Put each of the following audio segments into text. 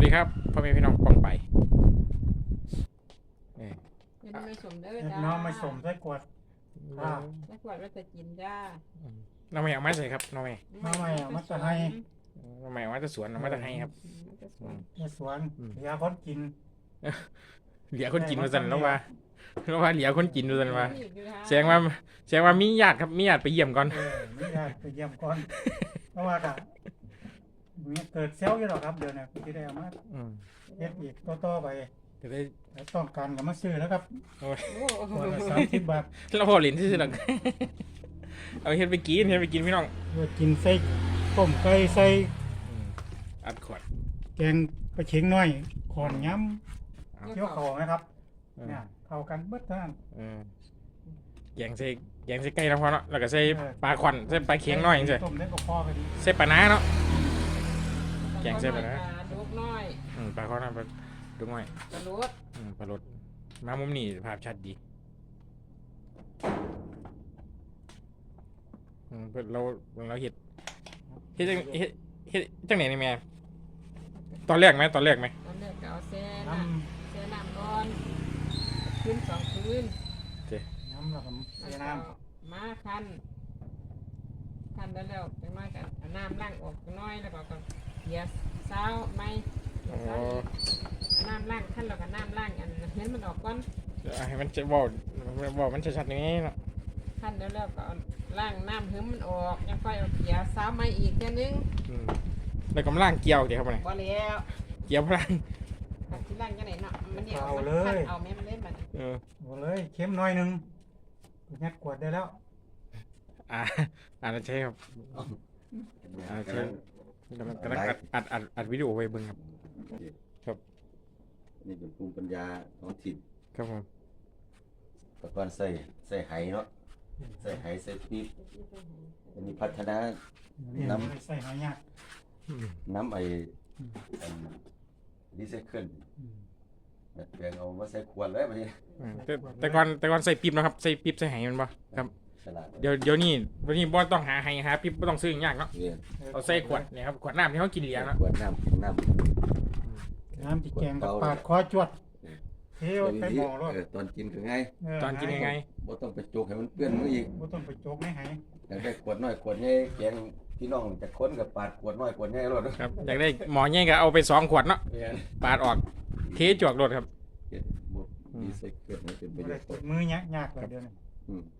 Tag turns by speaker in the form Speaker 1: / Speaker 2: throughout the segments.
Speaker 1: ดีครับพ่อแม่พี่น้องปองไป
Speaker 2: ยังไม่สมเด้อ
Speaker 3: เด็ก
Speaker 2: จ้า
Speaker 3: น้องไม่สมใส่กวด
Speaker 2: ไม่ขวดว่าจะกินจ้า
Speaker 1: น้องแม่เอามาใส่ครับน้องแม่
Speaker 3: มาใหม่เอามาจะให้
Speaker 1: น้องแม่เอามาจะสวนเอามาจะให้ครับ
Speaker 3: ในสวนยาคนกิน
Speaker 1: เหลียคนกินมาสั่นแล้วว่าเหลียคนกินมาสั่นว่าแสดงว่ามีญาติครับมีญาติไปเยี่ยมก่อน
Speaker 3: ไม่ได้ไปเยี่ยมก่อนเพราะว่าก็มีเกิดเซลล์อยู่หรอกครับเดี๋ยวนี้ที่ได้เอามาเฮ็ดอีกต่อไป
Speaker 1: จะได้
Speaker 3: แล้วต้องการก็มาซื้อแล้วครับ
Speaker 2: โอ้
Speaker 3: ขวดละ30 บาท
Speaker 1: เราพอหลินที่สุดหรอกเอาเฮ็ดไปกินพี่น้อง
Speaker 3: เพื่อกินใส่ต้มไก่ใส่
Speaker 1: อัดขวด
Speaker 3: แกงปลาเค็งน้อยขอนย้ำเกี่ยวเขานะครับเนี่ยเข้ากันเบิดเท่านั้น
Speaker 1: แกงใส่ไก่แล้วพอเนาะแล้วก็ใส่ปลาขวัญใส่ปลาเค็งน้อยจังซี่
Speaker 3: ต้มได้ก็พอกันดี
Speaker 1: ใส่ปลาน้าเนาะ แกงเส้นไปนะ
Speaker 2: ลูกน้อย
Speaker 1: ปลาขวัญปลาดุ้งน้อย
Speaker 2: กระโดด
Speaker 1: ปลารสมามุมนี้ภาพชัดดีเพิ่นเราเฮ็ดจังไหนนี่แม่ตอนแรกไหม
Speaker 2: ตอนแรกก็เอาแช่น้ำก่อนคืน2 คืน
Speaker 3: น้ำแล้วก็ใส่น้
Speaker 2: มาคันแล้วจังน้อยกันเอาน้ำล้างออกน้อยแล้วก็เกียร์เช้าไม่น้ำล้างคันแล้วก็น้ำล้างอันเห็นมันออกก่อน
Speaker 1: ให้มันจะบอกมันชัดๆนี้เนาะ
Speaker 2: คันแล้วก็ล้างน้ำเหืมมันออกยังค่อยเอาเกียร์เช้าไม่อีกแค่นึง
Speaker 1: แล้วก็ล่างเกี่ยวเดี๋ยวเข้ามา
Speaker 2: บ่แล้ว
Speaker 1: เกี่ยวพลัง
Speaker 2: ที่ล้างจังไหนเนาะมันเดี๋ยวมันคันเอาแม่มันเล่นบัด
Speaker 3: ำหมดเลยเค็มหน่อยนึงยัดกวดได้แล้ว
Speaker 1: ใช่ครับใช่กำลังอัดวิดีโอไว้เบิ่งครับ
Speaker 4: นี่เป็นภูมิปัญญาท้องถิ่น
Speaker 1: ครับผม
Speaker 4: แต่ก่อนใส่ไหเนาะใส่ไหใส่ปี๊บอันนี้พัฒนา น้ำ
Speaker 3: ใส่หอยยาก
Speaker 4: น้ำรีไซเคิลแบบแปลงเอามาใส่ขวดเลยบัดนี้
Speaker 1: แต่ก่อนใส่ปี๊บนะครับใส่ปี๊บใส่ไหมันบ่ครับ
Speaker 4: ฉลาด
Speaker 1: เดี๋ยวนี้บ่ต้องหาไหหาปี๊บบ่ต้องซื้อยากเนาะ
Speaker 4: เนี่ย
Speaker 1: เอาใส่ขวดเนี่ยครับขวดน้ำที่เขากินเหลียงเนาะ
Speaker 4: ขวดน้ำกินน้ำ
Speaker 3: น้ำที่แกงกับปาดคอจวดเทวไปหม้อรถ
Speaker 4: ตอนกินก็ง่าย
Speaker 1: ตอนกินยังไง
Speaker 4: บ่ต้องไปโจกให้มันเปื้อนมืออีก
Speaker 3: บ่ต้องไปโจกในไห
Speaker 4: อยากได้ขวดน้อยขวดใหญ่แกงพี่น้องจะค้นกับปาดขวดน้อยขวดใหญ่รถ
Speaker 1: ครับอยากได้หมอใหญ่ก็เอาไป2 ขวดเนาะ
Speaker 4: เนี่ย
Speaker 1: ปาดออกเทจวกรถครับ
Speaker 4: เฮ็ดบ่รีไซเคิลให้เป็นประ
Speaker 3: บ่
Speaker 4: โย
Speaker 3: ได้
Speaker 4: ชน์
Speaker 3: กดมือยากเลยเดี๋ยวนี้
Speaker 4: อืม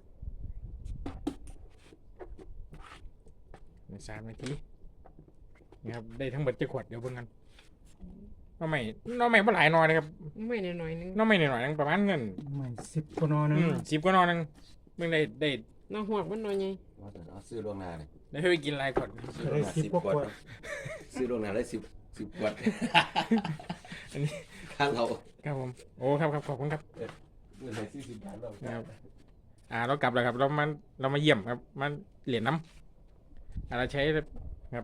Speaker 1: 3 นาทีนี่ครับได้ทั้งหมดจะขวดเดี๋ยวเบิ่งกันน้องใหม่บ่หลายหน่อยนะครับ
Speaker 2: ไม่หน่อยนึง
Speaker 1: น้องใหม่หน่อยๆนึงประมาณเงิน
Speaker 3: ไม่10กว่านอนึง
Speaker 1: 10 กว่าหน่อยนึงเบิ่งได้
Speaker 2: น้องหวกมันหน่อยไง
Speaker 4: ว่าแต่เอาซื้อล่วงหน้าเลย
Speaker 1: ได้ไปกินหลายขวด
Speaker 3: ได้10กว่าขวด
Speaker 4: ซื้อล่วงหน้าได้10ขวด
Speaker 1: อันนี้
Speaker 4: ถ้าเรา
Speaker 1: ครับผมโอ้ครับขอบคุณครับ
Speaker 4: เงินให้40 บาทเรา
Speaker 1: ครับเรากลับแล้วครับเรามาเยี่ยมครับมาเหรียญน้ำเราใช้ครับ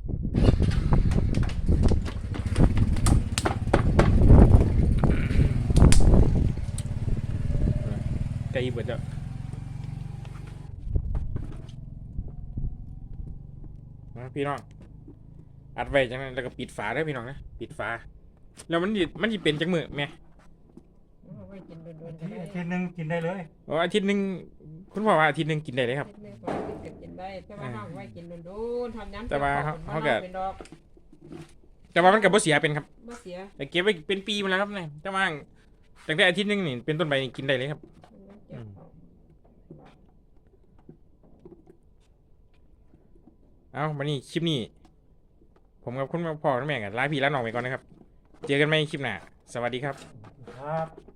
Speaker 1: ใจเบิดจะพี่น้องอัดไว้จังนั้นแล้วก็ปิดฝาได้พี่น้องนะปิดฝาแล้วมันจะเป็นจังมือแม่
Speaker 2: ไว้กินโดนๆก็
Speaker 3: ที่
Speaker 2: ได้
Speaker 3: อาทิตย์นึงกินได้เลย
Speaker 1: โอ้อาทิตย์หนึงคุณพ่อว่าอาทิตย์หนึงกินได้เลยครับ
Speaker 2: ไม่พอกินได้แต่ว่าเฮาไว้กินโดนๆทำย้ำ
Speaker 1: แต่ว่าเขาก็
Speaker 2: เป็นดอก
Speaker 1: แต่ว่ามันกับบ่เสียเป็นครับ
Speaker 2: บ่เสีย
Speaker 1: แต่เก็บไว้เป็นปีมาแล้วครับเนี่ยแต่ว่าตั้งแต่อาทิตย์หนึงนี่เป็นต้นไปนี่กินได้เลยครับเอาวันนี้คลิปนี้ผมกับคุณพ่อคุณแม่กันลาพี่ลาน้องไปก่อนนะครับเจอกันใหม่คลิปหน้าสวัสดีครับ
Speaker 3: ครับ